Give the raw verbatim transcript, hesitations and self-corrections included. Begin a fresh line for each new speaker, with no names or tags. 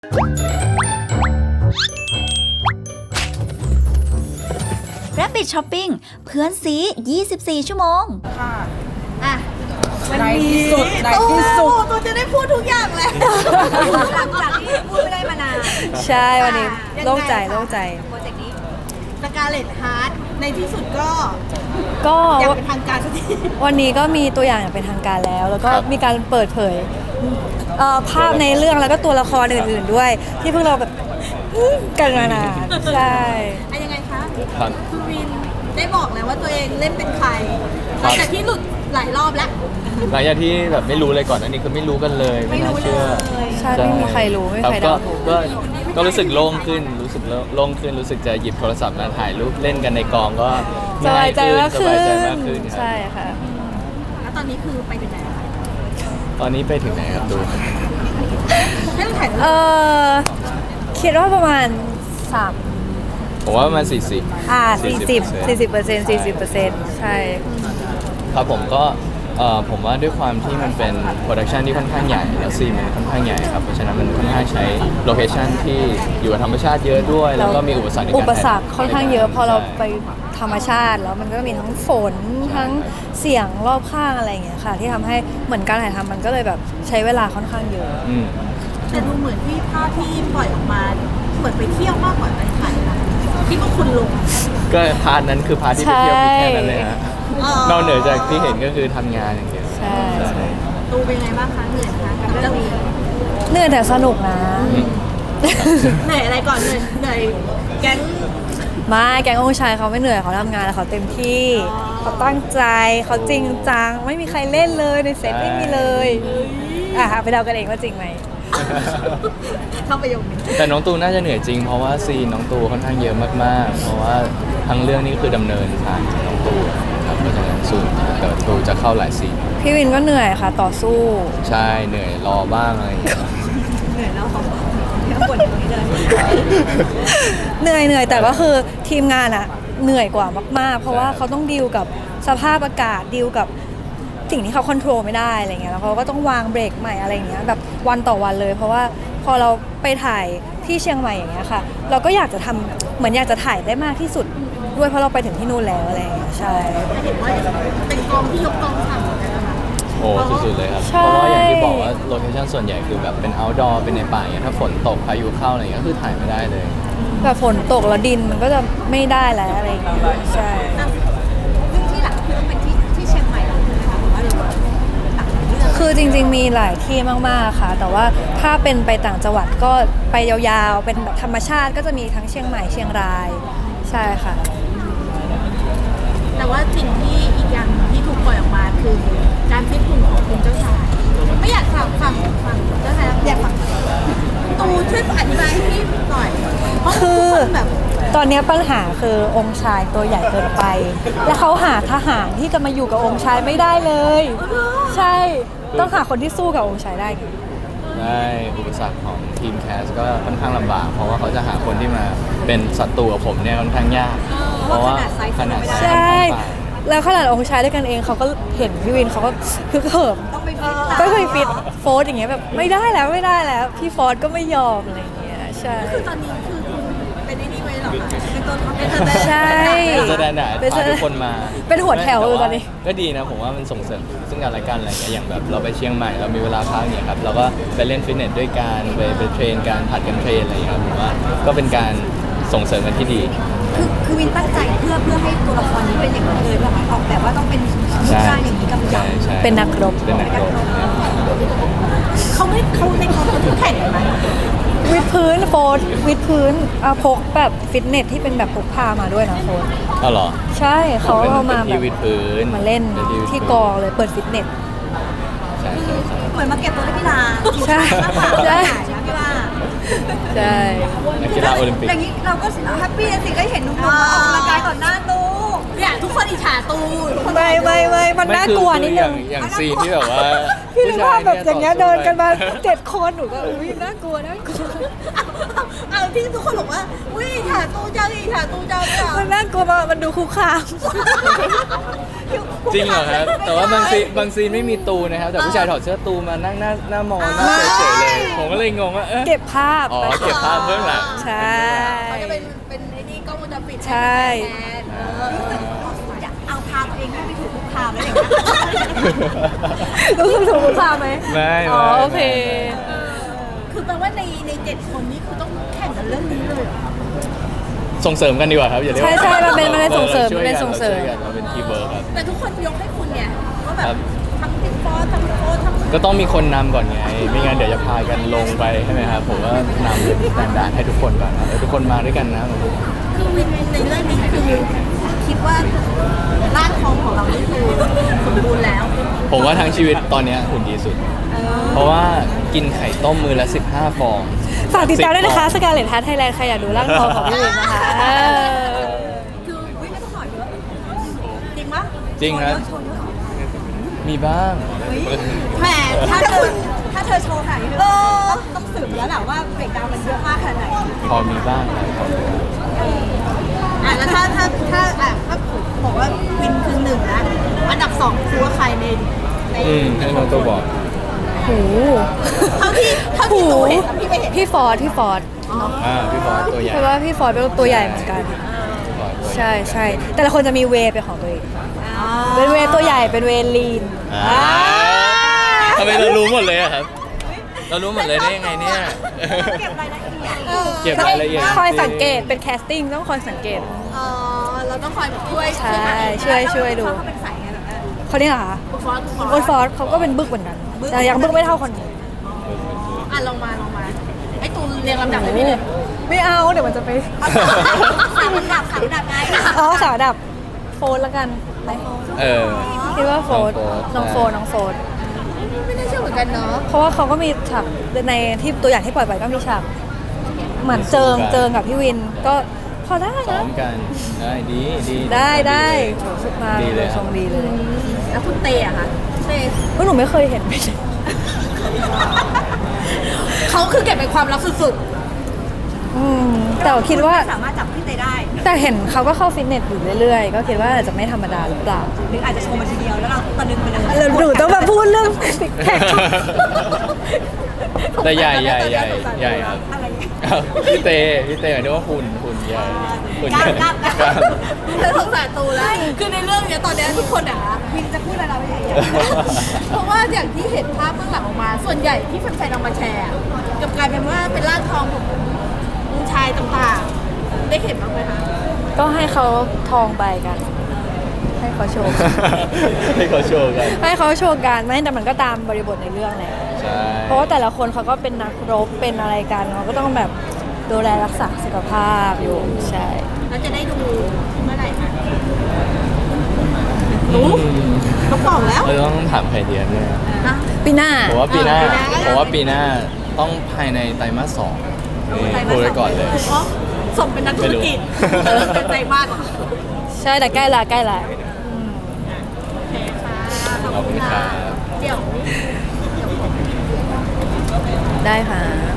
Rabbit Shopping เพื่อนซียี่สิบสี่ชั่วโมงค่ะอ่ะวันนี้ตัวตัวจะได้พูดทุกอย่างแล้วหลังจากที่พูดไม่ได้มานาน
ใช่วันนี้โล่งใจโล่งใจ
โปรเจกต์นี้สกาเลตฮาร์ทในที่สุดก็
ก็
ยังเป็นทางการสักที
วันนี้ก็มีตัวอย่างอย่างเป็นทางการแล้วแล้วก็มีการเปิดเผยภาพในเรื่องแล้วก็ตัวละครอื่นๆด้วยที่พวกเราแบบกันมานานใช่
ยังไงคะคุณวินได้บอกแล้วว่าตัวเองเล่นเป็นใครหลังจากที่หลุดหลายรอบแล้ว
หลังจากที่แบบไม่รู้เลยก่อนอันนี้คือไม่รู้กันเลย
ไม่น่าเชื่อ
ใช่ไม่มีใครรู้ไม่มีใครเดาถูก
ก็ก็รู้สึกโล่งขึ้นรู้สึกโล่งขึ้นรู้สึกจะหยิบโทรศัพท์มาถ่ายรูปเล่นกันในกองก็
สบายใจมากขึ้นใช่ค่ะ
แล้วตอนนี้คือไปถึงไหนคะ
ตอนนี้ไปถึงไหนครับดู
ให้เราถ่าย
เออคิดว่าประมาณสาม
ผมว่าประมาณสี่สิบ
อ่าสี่สิบสี่สิบเปอร์เซ็นต์สี่สิบเปอร์เซ็นต์ใช่
ครับผมก็เอ่อผมว่าด้วยความที่มันเป็นโปรดักชันที่ค่อนข้างใหญ่แล้วซีนมันค่อนข้างใหญ่ครับเพราะฉะนั้นมันค่อนข้างใช้โลเคชันที่อยู่กับธรรมชาติเยอะด้วยแล้วก็มีอุปสรรคในการ
อุปสรรคค่อนข้างเยอะพอเราไปธรรมชาติแล้วมันก็มีทั้งฝนทั้งเสียงรอบข้างอะไรอย่างเงี้ยค่ะที่ทำให้เหมือนการถ่ายทำมันก็เลยแบบใช้เวลาค่อนข้างเยอะ
แต่ดูเหมือนที่ภาพที่ปล่อยออกมาเหมือนไปเที่ยวมากกว่าไปถ่ายนะที่พวกคุณลง
ก็พาร์ทนั้นคือพาร์ทที่ไปเที่ยวมีแค่นั้นเลยฮะนอกเหนือจากที่เห็นก็คือทำงานอย่างเดียว
ใช่
ดูเป็นไงบ้างคะเหนื่อยคะกับเรื่องนี้
เหนื่อยแต่สนุกนะ
เหนื่อยอะไรก่อนเหนื่อยเหนื่อยแก๊ง
มาแก๊งองค์ชายเขาไม่เหนื่อยเขาทำงานแล้วเขาเต็มที่เขาตั้งใจเขาจริงจังไม่มีใครเล่นเลยในเซตไม่มีเลยอ่ะไปเดากันเองว่าจริงไหม
เข้าไปยง
แต่น้องตูน่าจะเหนื่อยจริงเพราะว่าซีนน้องตูค่อนข้างเยอะมากๆเพราะว่าทั้งเรื่องนี้คือดำเนินทางน้องตูครับเพราะฉะนั้นสูนเดี๋ยวตูจะเข้าหลายซีน
พี่วินก็เหนื่อยค่ะต่อสู้
ใช่เหนื่อยรอบ้างอะไร
เหนื่อยแล้วเขาบ่นตรงนี้เลย
เหนื่อยเหนื่อยแต่ก็คือทีมงานอะเหนื่อยกว่ามากๆเพราะว่าเขาต้องดีลกับสภาพอากาศดีลกับสิ่งที่เขาควบคุมไม่ได้อะไรเงี้ยแล้วเขาก็ต้องวางเบรกใหม่อะไรเงี้ยแบบวันต่อวันเลยเพราะว่าพอเราไปถ่ายที่เชียงใหม่อย่างเงี้ยค่ะเราก็อยากจะทำเหมือนอยากจะถ่ายได้มากที่สุดด้วยเพราะเราไปถึงที่นู่นแล้วอะไรเงี้ยใช่
เห็นว่าเป็นกองที่ยกกองถ่ายเลยนะคะ
โอ้สุดๆเลยครับเพราะว่าอย่างที่บอกว่าโลเคชั่นส่วนใหญ่คือแบบเป็น outdoor เป็นในป่าอย่างเงี้ยถ้าฝนตกพายุเข้าอะไรเงี้ยก็คือถ่ายไม่ได้เลย
แบบฝนตกแล้วดินมันก็จะไม่ได้แล้วอะไรเงี้ยใช่
ที่หลักคือต้องเป็นที่ที่เชียงใหม่นะคะหรือว่าเรา
คือจริงๆมีหลายที่มากๆค่ะแต่ว่าถ้าเป็นไปต่างจังหวัดก็ไปยาวๆเป็นแบบธรรมชาติก็จะมีทั้งเชียงใหม่เชียงรายใช่ค่ะ
แต่ว่าสิ่งที่อีกอย่างที่ถูกปล่อยออกมาคือการฟิตหุ่นของคุณเจ้าชายไม่อยากฟังฟังฟังเจ้าชายอยากฟังตูช่วยอธิบายให้พี่หน่อย
คือแบบตอนนี้ปัญหาคือองค์ชายตัวใหญ่เกินไปแล้วเขาหาทหารที่จะมาอยู่กับองค์ชายไม่ได้เลยใช่ต้องหาคนที่สู้กับองค์ชายได้
ได้อุปสรรคของทีมแคสก็ค่อนข้างลำบากเพราะว่าเขาจะหาคนที่มาเป็นศัตรูกับผมเนี่ยค่อนข้างยากเพราะว่าขนาด
ใช่แล้วขนาดองค์ชายด้วยกันเองเขาก็เห็นพี่วินเขาก็คือเขิมก็เคยฟิตโฟร์อย่างเงี้ยแบบไม่ได้แล้วไม่ได้แล้วพี่ฟอร์ดก็ไม่ยอมอะไรอย่างเงี้ยใช่
คือตอนนี้คือเป็นไอ้นี่ไว้หรอเป็นตัวเป็นตัว
ใช่
เป็นแสดงพาทุกคนมา
เป็นหัวแถวเลยตอนนี้
ก็ดีนะผมว่ามันส่งเสริมซึ่งกันและกันอะไรเงี้ยอย่างแบบเราไปเชียงใหม่เรามีเวลาพักเนี่ยครับเราก็ไปเล่นฟิตเนสด้วยกันไปไปเทรนการผัดกันเทรนอะไรอย่างเงี้ยครับผมว่าก็เป็นการส่งเสริมกันที่ดี
คือคือวินตั้งใจเพื่อเพื่อให้ตัวละครนี้เป็นอย่างนี้เลยแบบออกแบบว่าต้องเป็นรูปร่างอย่างนี้กำกับ
เป็นนักรบ
เป็นนักรบ
เขาไม่เขาในกองเขาแข่งกันไหม
วิดพื้นโฟร์วิดพื้นเอาพกแบบฟิตเนสที่เป็นแบบพกพามาด้วยนะโฟร์
อ๋อเหรอ
ใช่เขาเอามาแบบ
วิดพื้น
มาเล่นที่กองเลยเปิดฟิตเนส
เหมือนมาเก็บตัวนักกีฬา
ใช่ใช่
นักกีฬา
ใช่
นักกีฬาโอลิมปิก
อย่างนี้เราก็แฮปปี้สิก็เห็นนุ่มๆออกกำลังกายต่อหน้าตูเนี่ยทุกคนอิจฉาตู
ไม่ไม่ไม่มันน่ากลัวนิดนึง
อย่างซีนที่แบบว่า
พี่นึกว่าแบบอย่างเงี้ยเดินกันมาเจ็ดคนหนูก็อุ้ยน่ากลัวน่ากลัว
เอาที่ทุกคนบอกว่าอุ้ยอิจฉาตูเจ้าอิจฉาตูเจ้า
มันน่ากลัวมากมันดูคุกคาม
จริงเหรอครับ แต่ว่าบางซีนบางซีนไม่มีตูนะครับ แต่ผู้ชายถอดเสื้อตูมานั่งหน้าหน้ามองหน้าเฉยๆเลย ผมก็เลยงงว่าเอ๊ะ
เก็บภาพ
อ๋อเก็บภาพเบื้องหลัง
ใช่
เขาจะเป็นเป็นไอ้นี่กล้องวงจรปิด
ใช่
แทนเออรู้สึกอยากเอาพาตัวเองให้ไปถูกคุกคามแล้วอย่างเงี้ย
รู้สึกถูกคุกคามไหม
ไม่
อ๋อ
ไม่
โอเค
ไม่
คือแปลว่าในในเจ็ดคนนี้คือต้องแข่งกันเรื่องนี้เลยเหรอ
ส่งเสริมกันดีกว่าครับอย่าเรียกว่า
ใช่ใช่มันเป็นมันเป็นส่งเสริม
ช่วย
มันเป็น
กั
ส่งเสริม
าช่วยกันเราเป็นทีมเวิร์คครับ
แต่ทุกคนยกให้คุณไงว่าแบ
ครับ บ
ทั้งพี่ฟอสทั้งโค้ชทั้ง
ก็ต้องมีคนนำก่อนไง ไม่งั้นเดี๋ยวจะพากันลงไปใช่ไหมครับ ผมว่านำแตนด่านให้ทุกคนก่อนนะเออทุกคนมาด้วยกันนะ
คือวินในเรื่องนี้คือคิดว่าร่างทองของเรานี่คือสมบูรณ์แล้ว
ผมว่าทั้งชีวิตตอนเนี้ยหุ่นดีสุด
เออ
เพราะว่ากินไข่ต้มมือละสิบห้าฟอง
ฝากติดตามด้วยนะคะ
สิ
ส
บฟอง
กาเลตฮาร์ทไทยแลนด์ใครอยากดูร่างทองของพี่วินนะคะเออ
คือวินไม่ต้องถอดเยอะจริงปะ
จริงครับ
โชว์เยอะโชว์เยอะ
มีบ้าง
แหมถ้าเธอถ้าเธอโชว์ขนาดนี้เออต้องสืบแล้วแหละว่าเบรกดาวน์มันเยอะมากขนาดไหน
พอมีบ้างครับ
อ่ะแล้วถ้าถ้าถ้าอ่ะถ้าผมบอกว่าวินคือหนึ่งนะอันดับสองคือว่าใครในใน
อืมให้น้องตัวบอก
โห
เท่าที่เท่าที่ตัวเห็นนะพี่ไม่เห็น
พี่ฟอร์ดพี่ฟอร์ด
อ่าพี่ฟอสตัวใหญ่
เพราะว่าพี่ฟอร์ดเป็นตัวใหญ่เหมือนกัน
พี่ฟอสตัวใหญ่
ใช่ใช่แต่ละคนจะมีเวย์เป็นของตัวเอง
อ๋อ
เป็นเวย์ตัวใหญ่เป็นเวย์ลีน
อ่าทำไมเรารู้หมดเลยอะครับ เรารู้หมดเลยได้ยังไงเนี่ย
เก็บรายละเอียด
เก็บรายละเอียด
คอยสังเกตเป็นแคสติ้งต้องคอยสังเกต
อ๋อเราต้องคอยแบบช่วย
ใช่ช่วยช่วยดู
เขาเป็นสายไงแบบนั้น
เขาเนี่ยเหรอคะ
คุณฟอสคุณ
โอนฟอร์ดเขาก็เป็นบึกเหมือนกัน แต่ยังบึกไม่เท่าคนนี้
อ่ะลงมาลงมาไอ้ตูนเรียงลำดับให้พี่เลย
ไม่เอาเดี๋ยวมันจะไป
สามลำดับสามลำดับไง
อ๋อสาวดับโฟนแล้วกันไป
เออ
คิดว่าโฟน
น้
น้อ
อง ง
โฟ
โฟ
น
น
น้องโฟน
ไม่น่าเชื่อเหมือนกันเนาะ
เพราะว่าเขาก็มีฉากในที่ตัวอย่างที่ปล่อยไปก็มีฉากเหมือนเจิงเจิงกับพี่วินก็พอได้
ซ้อ
นะ
มกันได้ดีดี
ได้ได้
ดี
มา
ดีเลย
ทรงดีเลย
แล้วคุณเตอะคะเต
เพราะหนูไม่เคยเห็น
เขาคือเก็บเป็นความลับสุด
อืมแต่ว่าคิดว่า
สามารถจับพี่เตได้
แต่เห็นเขาก็เข้าฟิตเนสอยู่เรื่อยๆ ก็คิดว่าอาจจะไม่ธรรมดาหรือเปล่า
หรืออาจจะโชว์มาทีเดียวแล้วเราตะลึงไปเลย
แล้วหนูต้องมาพูดเรื่องซิกแพค
แต่ใหญ่ใหญ่ใหญ่ใหญ่ครับ
อะไรอย่างเงี้ย
ครับพี่เตพี่เตหมายถึงว่าหุ่นหุ่นใหญ่หุ่น
ก
ให
ล้า
ญ่
มกล้ามกล้าม
กล้าม
เธอสงสารตูแล้ว คือในเรื่องเนี้ยตอนเนี้ยทุกคนอ่ะวินจะพูดอะไรไม่ได้เพราะว่าอย่างที่เห็นภาพเบื้องหลังออกมา ส่วนใหญ่ที่แฟนๆเอามาแชร์กลับกลายเป็นว่าเป็นร่างทองของผู้ชายต่างๆ ได้เห็นบ้างไหมคะ
ก็ให้เขาทองไปกัน ให้เขาโชว์
ให้เขาโชว์กัน
ให้เขาโชว์การไม่แต่มันก็ตามบริบทในเรื่องแหละ
ใช่
เพราะว่าแต่ละคนเขาก็เป็นนักรบเป็นอะไรกันเขาก็ต้องแบบดูแลรักษาสุขภาพอยู่ใช่
แล้วจะได้ดูเมื่อไหร่คะ
อืม
เขาบอกแล้ว
เราต้องถามใครเดียนเนี่ย
นะ
ปีหน้า
ผมว่าปีหน้า
เออปีหน้า
ผมว่าปีหน้าต้องภายในไตรมาสสองนี่พูดไว้ก่อนเลย
เพราะสมเป็นนักธุรกิจ
ไม่รู้
เออเป็นใจมากเหรอ
ใช่แต่ใกล้ละใกล้ละ
โอเคค่ะ
ขอบคุณครับ
เดี๋ยว
ได้ค่ะ